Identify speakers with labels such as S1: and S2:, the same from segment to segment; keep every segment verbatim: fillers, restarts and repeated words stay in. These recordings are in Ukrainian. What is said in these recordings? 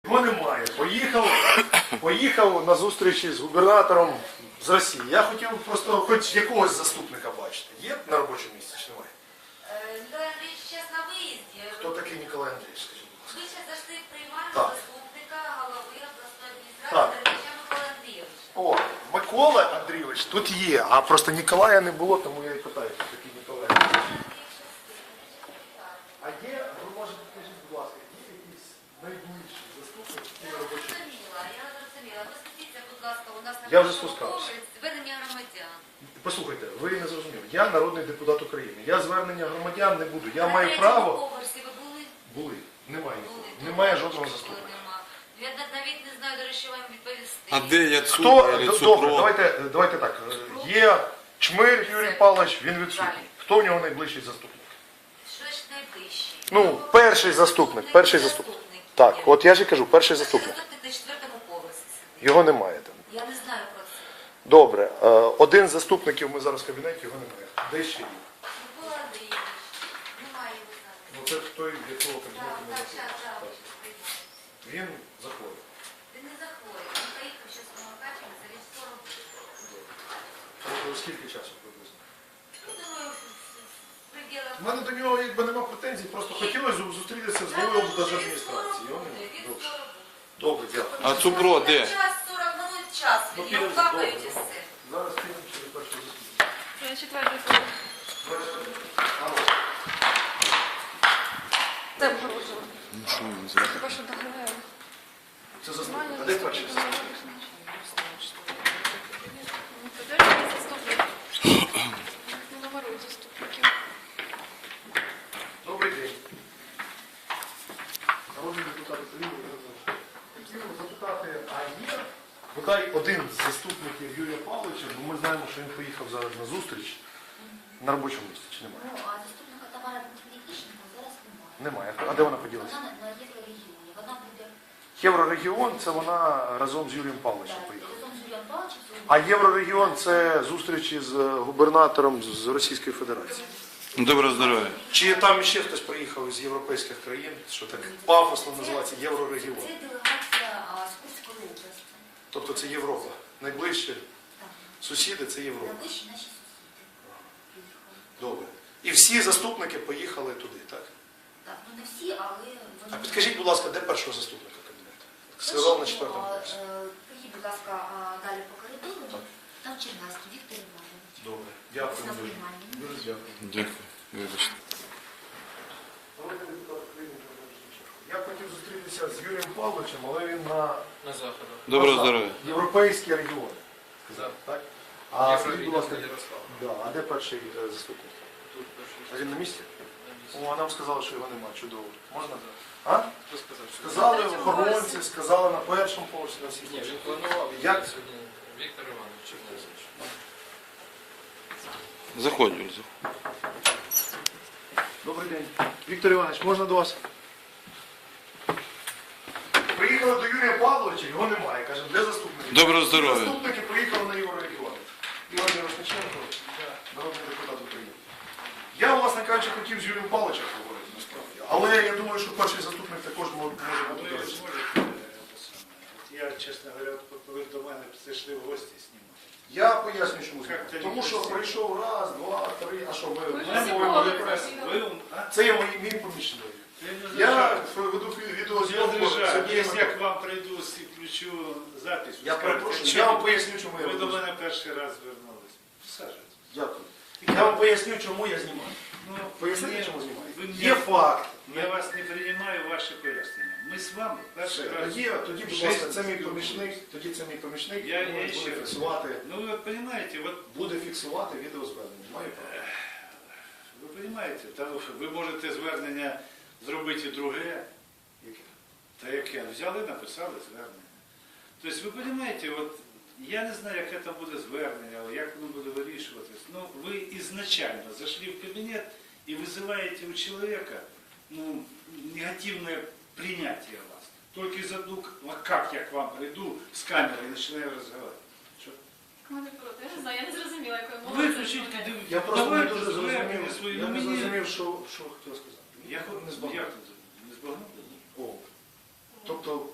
S1: Його немає. Поїхав, поїхав на зустрічі з губернатором з Росії. Я хотів просто хоч якогось заступника бачити. Є на робочому місці чи немає?
S2: Николай Андреевич сейчас на выезде.
S1: Хто такий Ніколай Андрійович, скажіть, будь ласка?
S2: Вы сейчас зашли в приймальну
S1: Так.
S2: заступника голови обласної
S1: Так.
S2: адміністрації Деревича Микола Андрійович.
S1: О, Микола Андрійович тут є, а просто Ніколая не було, тому я і питаю, хто такий Ніколай Андрійович. А є, ви можете, скажіть, будь ласка, є якісь найближчі заступники
S2: Я
S1: на робочому?
S2: зрозуміла, я зрозуміла. Ви спустіться, будь ласка, у нас на
S1: Я вже
S2: першому
S1: спускався.
S2: поверсі звернення громадян.
S1: Послухайте, ви не зрозуміли. Я народний депутат України. Я звернення громадян не буду. Я
S2: На
S1: маю
S2: третьому
S1: право.
S2: поверсі ви були?
S1: Були. Немає нікого.
S2: Були.
S1: Немає жодного
S2: Ніколи
S1: заступника.
S2: нема. Я навіть не знаю, до речі, вам відповісти.
S3: А де я
S1: Хто?
S3: цукор,
S1: Д-
S3: цукро?
S1: Добре, давайте, давайте так. Є Чмир Юрій Павлович, він відсутній. Хто в нього найближчий заступник?
S2: Що ж найближчий?
S1: Ну, перший заступник, перший заступник. Так,
S2: є.
S1: от я ж і кажу, перший
S2: Перший
S1: заступник.
S2: заступник на четвертому поверсі сидить.
S1: Його немає там.
S2: Я не знаю про це.
S1: Добре, е, один з заступників ми зараз в кабінеті, його немає. Де ще є?
S2: Микола Андрійович, немає його зараз.
S1: Ну це той, в якого
S2: Так,
S1: кабінету ми
S2: так,
S1: заходимо.
S2: зараз, зараз.
S1: Він захворів.
S2: Він не захворює. Він поїхав ще з Мукачева, він скоро буде.
S1: Тобто скільки часу приблизно?
S2: Ну, думаю, в пределах...
S1: У мене до нього якби нема претензій, просто хотілося б зустрітися з головою облдержадміністрації. Його
S2: Він
S1: немає.
S2: скоро
S1: Добре.
S2: буде.
S1: Добре, дякую.
S3: А цукро де?
S2: Час сорок минут, час.
S1: Ну,
S2: Він
S1: підемо,
S2: його капають і
S1: добре.
S2: все.
S1: Зараз підемо через першого заступника.
S4: Я четвертий поверх.
S1: Алло.
S4: Де погрузила?
S3: Ну що він зробив?
S4: Хіба що доглядаю.
S1: Це заступник. А де перший заступник?
S4: Подержаний заступник. Не номерують заступників.
S1: Добрий день. Народний депутат України. Хотів запитати, а є бодай один з заступників Юрія Павловича, бо ми знаємо, що він поїхав зараз на зустріч на робочому місці, чи немає?
S5: Ну, а заступника Тамара Дмитрівна зараз немає.
S1: Немає. А де вона поділася?
S5: Вона на Єврорегіоні. Вона буде
S1: Єврорегіон – це вона разом з Юрієм Павловичем
S5: так,
S1: поїхала.
S5: разом з Юрієм Павловичем.
S1: А Єврорегіон – це зустрічі з губернатором з Російської Федерації.
S3: Доброго здоров'я.
S1: Чи там ще хтось приїхав із європейських країн, що так пафосно називається Єврорегіон?
S5: Це делегація а, з Курської області.
S1: Тобто це Європа. Найближчі
S5: Так.
S1: сусіди – це Європа.
S5: Найближчі наші сусіди. Приїхали.
S1: Добре. І всі заступники поїхали туди, так?
S5: Так, ну не всі, але
S1: А
S5: вони...
S1: підкажіть, будь ласка, де першого заступника кабінету? Сказав на четвертому
S5: А,
S1: поверсі.
S5: е, Поїдь, будь ласка, а, далі по коридору.
S1: Так.
S5: Там Чернавський Віктор Іванович.
S1: Добре. Дякую
S5: На
S1: дуже.
S5: приймальні.
S1: Дуже дякую.
S3: Дякую. Вибачте.
S1: Я хотів зустрітися з Юрієм Павловичем, але він на
S6: На заходу.
S3: Доброго
S1: на
S3: здоров'я.
S1: європейські регіони.
S6: Так.
S1: Так? А
S6: Євро-
S1: скажіть, будь ласка,
S6: Ярослав.
S1: да, а де перший е, заступник?
S6: Тут перший.
S1: А він на місці?
S6: На
S1: О, а нам сказали, що його немає. Чудово. Можна?
S6: місці.
S1: А?
S6: Хто сказав, що
S1: Сказали охоронці, сказали на першому поверсі, на всіх.
S6: ні, він планував
S1: Як?
S6: їхати сьогодні Віктор Іванович Чернесович.
S3: Заходь, Юль, заходь.
S1: Добрий день. Віктор Іванович, можна до вас? Приїхали до Юрія Павловича, його немає. Кажемо, де заступники?
S3: Доброго здоров'я.
S1: Заступники приїхали на Єврорегіон. Ігор Мирошниченко, народний депутат України. Я, власне кажучи, хотів з Юрієм Павловичем поговорити, насправді. Але я думаю, що перший заступник також може бути
S7: Ви
S1: доречним.
S7: зможете, е, те саме. Я, чесно говоря, от коли до мене прийшли в гості знімати.
S1: Я поясню, чому.
S7: Як це
S1: Тому що
S7: не
S1: прийшов раз, два, три, а що ми...
S4: Ви
S1: ми
S4: всі
S1: говоримо,
S4: були
S1: ви прес.
S7: Ви, а?
S1: Це є мій, мій помічник.
S7: Я не
S1: Я
S7: знаю,
S1: веду
S7: я
S1: відеозйомку.
S7: зрежаю.
S1: Сергія
S7: Якщо я
S1: Микола.
S7: к вам прийду і включу запись, ви
S1: Я
S7: скажете,
S1: перепрошую,
S7: що
S1: я вам поясню, чому я
S7: ви до
S1: веду.
S7: мене перший раз звернулись. Саджуйтесь.
S1: Дякую. Я вам поясню, чому я знімаю.
S7: Ну,
S1: Поясніть,
S7: ні,
S1: чому знімаю.
S7: ви мені-
S1: Є факт.
S7: Я вас не приймаю ваші пояснення. Ми з вами перший
S1: Все,
S7: раз.
S1: Тоді, тоді, будь
S7: в
S1: ласка,
S7: житті
S1: це мій
S7: спілкуємося.
S1: помічник, тоді це мій помічник,
S7: Я-
S1: він
S7: я
S1: буде
S7: ще раз.
S1: фіксувати,
S7: Ну ви розумієте, от
S1: буде фіксувати відеозвернення. Маю право.
S7: ви розумієте, та ви можете звернення зробити і друге.
S1: Яке?
S7: Та яке? Взяли, написали звернення. Тобто, ви розумієте, от я не знаю, яке там буде звернення, але як воно буде вирішуватись. Ну, ви ізначально зайшли в кабінет і визиваєте у чоловіка ну, негативне прийняття вас. Тільки за ну, як я к вам прийду з камерою і починаю розмовляти. Що?
S4: Я не знаю, я не зрозуміла, якою мовою.
S7: Виключіть,
S4: це
S1: Я просто не
S7: давайте
S1: дуже
S7: звернення
S1: зрозумів,
S7: свої.
S1: я
S7: Ну,
S1: не
S7: мені-
S1: зрозумів, що, що хотів сказати.
S7: Я
S1: не
S7: не
S1: збагнув.
S7: збагнув. Не збагнув?
S1: О. Тобто, перекладаючи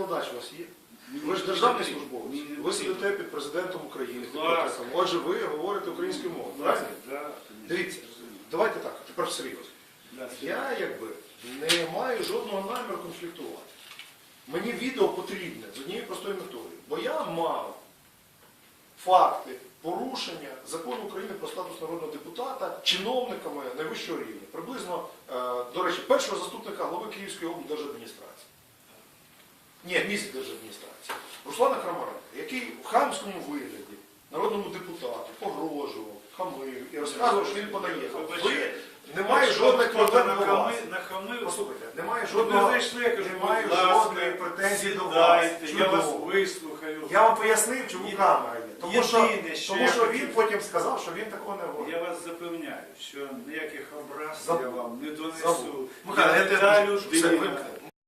S1: перекладач у вас є?
S7: Мені
S1: Ви ж
S7: не
S1: державний
S7: потрібно.
S1: службовець.
S7: Мені не
S1: Ви
S7: потрібно.
S1: сидите під президентом України, під
S7: Будь ласка.
S1: Петриком. Отже, ви говорите українською мовою.
S7: Будь ласка,
S1: Правильно?
S7: да,
S1: Дивіться,
S7: розумію.
S1: давайте так, тепер серйозно.
S7: Да,
S1: Я якби не маю жодного наміру конфліктувати. Мені відео потрібне з однією простою метою. Бо я мав факти порушення закону України про статус народного депутата чиновниками найвищого рівня. Приблизно, е, до речі, першого заступника голови Київської облдержадміністрації. Ні, міськдержадміністрації. Руслана Крамаренка, який в хамському вигляді народному депутату погрожував, хамив і розказував, що він понаїхав. Ви немає жодних проблем до вас.
S7: Нахамив.
S1: Послухайте, немає
S7: Щоб не
S1: жодного,
S7: зайшли, я кажу,
S1: немає
S7: будь ласка,
S1: жодної претензії до вас.
S7: сідайте, я вас
S1: Чудово.
S7: вислухаю.
S1: Я вам пояснив, чому
S7: Єди-
S1: камера є. Тому що,
S7: єдине, що
S1: тому
S7: я
S1: що
S7: хотів-
S1: він потім сказав, що він такого не говорить.
S7: Я вас запевняю, що ніяких образ
S1: Забув.
S7: я вам не
S1: Забув.
S7: донесу.
S1: Михайло,
S7: Я
S1: я
S7: не
S1: тебе
S7: та
S1: прошу, все,
S7: людина.
S1: вимкни.